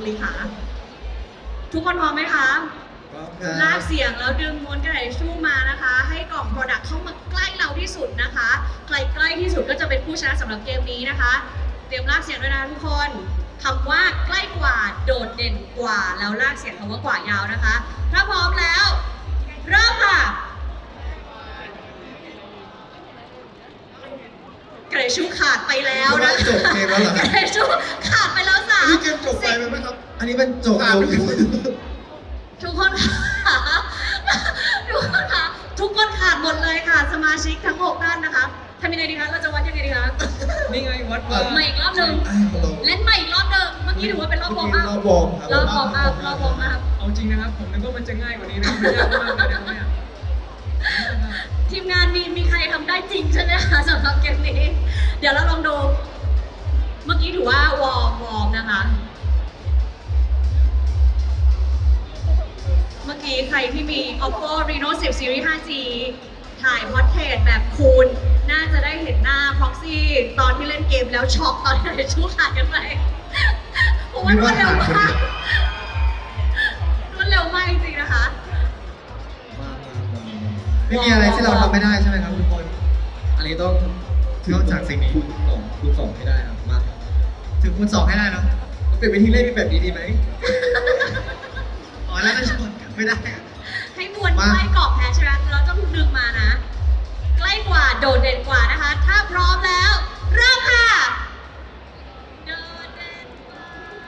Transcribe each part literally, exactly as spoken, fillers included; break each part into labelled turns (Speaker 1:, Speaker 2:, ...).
Speaker 1: ลีคะทุกคนพร้อมไหมคะลากเสียงแล้วดึงม้วนกระดาษทิชชู่มานะคะ ให้กล่อง Product เข้ามาใกล้เราที่สุดนะคะใกล้ใกล้ที่สุดก็จะเป็นผู้ชนะสำหรับเกมนี้นะคะ เตรียมลากเสียงด้วยนะทุกคนคำว่าใกล้กว่าโดดเด่นกว่าแล้วลากเสียงคำว่ากว่ายาวนะคะ ถ้าพร้อมแล้วเริ่มค่ะกระดาษทิชชู่ขาดไปแล้วนะ
Speaker 2: จบเกมแล้วเหรอก
Speaker 1: ระดาษทิชชู่ขาดไปแล้วสาม
Speaker 2: นี่เกมจบไปไหมครับ อันนี้เป็นจบแล้ว
Speaker 1: ทุกคนค่ะทุกคนค่ะทุกคนขาดหมดเลยค่ะ สมาชิกทั้งหกท่านนะคะทำยังไงดีคะเราจะวัดยังไงดีคะ
Speaker 3: นี่ไงวัดว่า
Speaker 1: ใหม่อีกรอบหนึ่งเล่นใหม่อีกรอบหนึ่งเมื่อกี้ถือว่าเป็นรอบวอร์มอัพ
Speaker 2: รอบวอร์มครับ
Speaker 1: รอบวอร์มอัพรอบวอร์มอัพ
Speaker 3: เอาจริงนะครับผมนึกว่ามันจะง่ายกว่านี้นะมันยากมากเลยนะครับเนี่ย
Speaker 1: ทีมงานมีมีใครทำได้จริงใช่ไหมคะสำหรับเกมนี้ เดี๋ยวเราลองดู เมื่อกี้ถือว่าวอร์มวอร์มนะคะ เมื่อกี้ใครที่มี Oppo Reno สิบ Series ไฟว์ จี ถ่ายพอร์เทรตแบบคูณน่าจะได้เห็นหน้า Proxy ตอนที่เล่นเกมแล้วช็อกตอนที่ชูขาดกันไปเพราะว่ารวดเร็วมากรวดเร็วมากจริงๆนะคะ
Speaker 2: ไม่มีอะไรที่เราทำไม่ได้ใช่ไหมครับทุกคน อันนี้ต้องนอกจากสิ่งนี้สองคูณสองให้ได้ครับมาถึงคูณสองให้ได้เนาะเป็นวิธีเล่นแบบนี้ดีไหมอ๋อแล้วก็ชนไม่ได้
Speaker 1: ให้มวลใกล้กรอบแพ้ใช่ไหมเราต้องดึงมานะ ใกล้กว่าโดดเด่นกว่านะคะ ถ้าพร้อมแล้วเริ่มค่ะโดดเด่นกว่า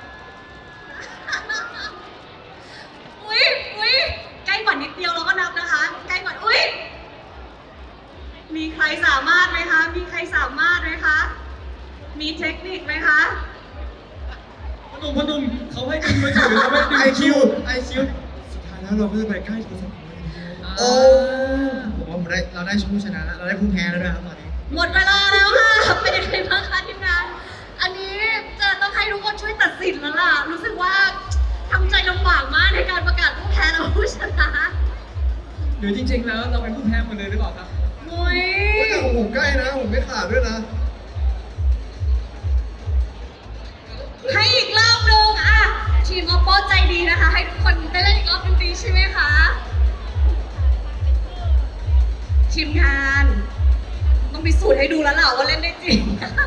Speaker 1: อุ๊ยอุ๊ยใกล้กว่านิดเดียวเราก็นับนะคะใกล้กว่าอุ๊ยมีใครสามารถไหมคะมีใครสามารถไหมคะมีเทคนิคไหมคะ
Speaker 3: พนุ่มพนุ่มเขาให้ดึงมือถือเขาไม่ดึง
Speaker 2: ไอคิวไอคิว
Speaker 3: สุดท้ายแล้วเราก็จะไปใกล้โทรศัพท์
Speaker 2: โอ้ผมว่าผมได้เราได้ผู้ชนะแล้วเราได้ผู้แพ้แล้วด้วยครับตอนนี้
Speaker 1: หมดเวลาแล้วค่ะเป็นยังไงบ้างคะทีมงานอันนี้จะต้องให้ทุกคนช่วยตัดสินแล้วล่ะรู้สึกว่าทำใจลำบากมากในการประกาศผู้แพ้และผู้ชนะ
Speaker 3: หรือจริงๆแล้วเราเป็นผู้แพ้หมดเลยหรือเปล่าครับ
Speaker 1: โอ้ย
Speaker 2: แต่ของผมใกล้นะผมไม่ขาดด้วยนะ
Speaker 1: ให้อีกรอบหนึงอ่ะทีม Oppo ใจดีนะคะ ให้ทุกคนได้เล่นอีกรอบหนึงดีใช่ไหมคะทีมงานต้องพิสูจน์ให้ดูแล้วล่ะว่าเล่นได้จริง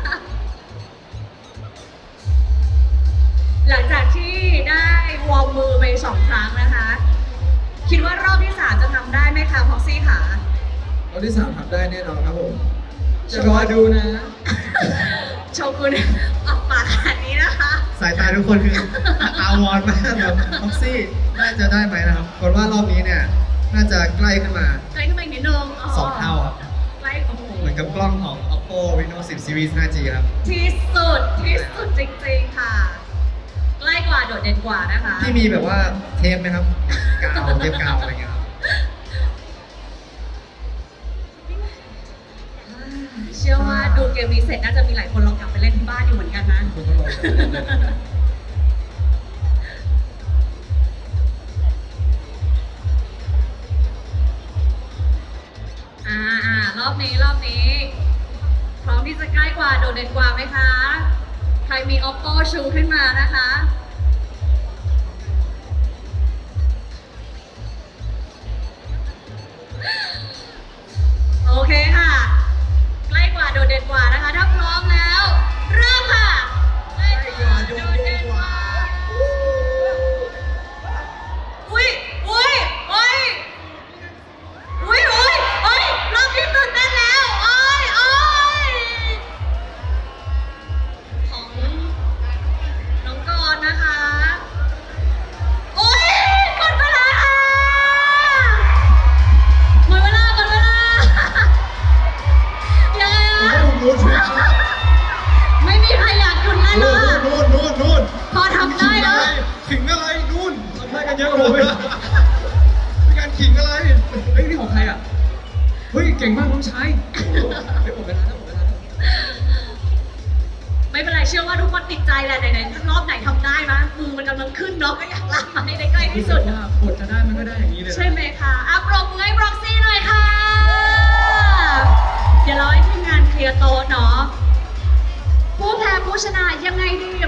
Speaker 1: หลังจากที่ได้วอร์มมือไปสองครั้งนะคะ คิดว่ารอบที่สามจะทำได้ไหมคะพ็อกซี่ค่ะ
Speaker 2: รอบที่สามทำได้แน่นอนครับผม
Speaker 3: จะรอดูนะ
Speaker 1: โชกุนออกปากขนาดนี้นะคะ
Speaker 2: สายตาทุกคนคืออาวอนมากแบบท็อกซี่น่าจะได้ไหมนะครับคนว่ารอบนี้เนี่ยน่าจะใกล้ขึ้นมา
Speaker 1: ใกล้ขึ้นมาอีกนิดนึง
Speaker 2: สองเท่าครับ
Speaker 1: ใกล้โอ้โห
Speaker 2: เหมือนกับกล้องของ Oppo Reno สิบ Series ไฟว์ จี ครับ
Speaker 1: ที่สุดที่สุดจริงๆค่ะ ใกล้กว่าโดดเด่นกว่านะคะ
Speaker 2: ที่มีแบบว่าเทปไหมครับ กาวเทปกาวอะไรเงี้ยครับ
Speaker 1: เชื่อว่าดูเกมนี้เสร็จน่าจะมีหลายคนลองกลับไปเล่นที่บ้านอยู่เหมือนกันนะ
Speaker 2: คุณต้องลองจับเล่นๆนะ
Speaker 1: อ่าอ่ารอบนี้รอบนี้ พร้อมที่จะใกล้กว่าโดดเด่นกว่าไหมคะ ใครมี Oppo ชูขึ้นมานะคะ โอเคค่ะ ใกล้กว่าโดดเด่นกว่านะคะ ถ้าพร้อมแล้ว เริ่มค่ะใกล้กว่าโดดเด่นกว่าอุ้ยอุ้ยอุ้ยอุ้ยอุ้ยอุ้ยรอบนี้ตื่นเต้นแล้วโอ้ยโอ้ยของน้องกรณ์นะคะโอ้ยหมดเวลาค่ะหมดเวลาหมดเวลายังไง
Speaker 2: ผม
Speaker 1: อะ
Speaker 2: ว่าผมรู้ชุดแล้ว
Speaker 1: ไม่มีใครอยากหยุดเล่นแล้วอะ
Speaker 2: นู่นนู่นนู่น
Speaker 1: พอทำได้แล้ว
Speaker 2: ขิงอะไรนู่น
Speaker 3: ทำได้กันเยอะกว่าผมอีก
Speaker 2: เป็นการขิงอะไร
Speaker 3: เฮ้ยนี่ของใครอ่ะ เฮ้ยเก่งมากน้องชายไปหมดเวลาแล้วหมดเวลาแล้ว
Speaker 1: ไม่เป็นไรเชื่อว่าทุกคนติดใจแหละไหนๆรอบไหนทำได้มะมือมันกำลังขึ้นเนาะก็อยากลากมาให้ได้ใกล้ที่สุด
Speaker 3: ว่าบทจะได้มันก็ได้อย่างนี้เลยนะ
Speaker 1: ใช่ไหมคะอ่ะปรบมือให้บล็อกซี่หน่อยค่ะ เดี๋ยวเราให้ทีมงานเคลียร์โต๊ะเนาะผู้แพ้ผู้ชนะยังไงดี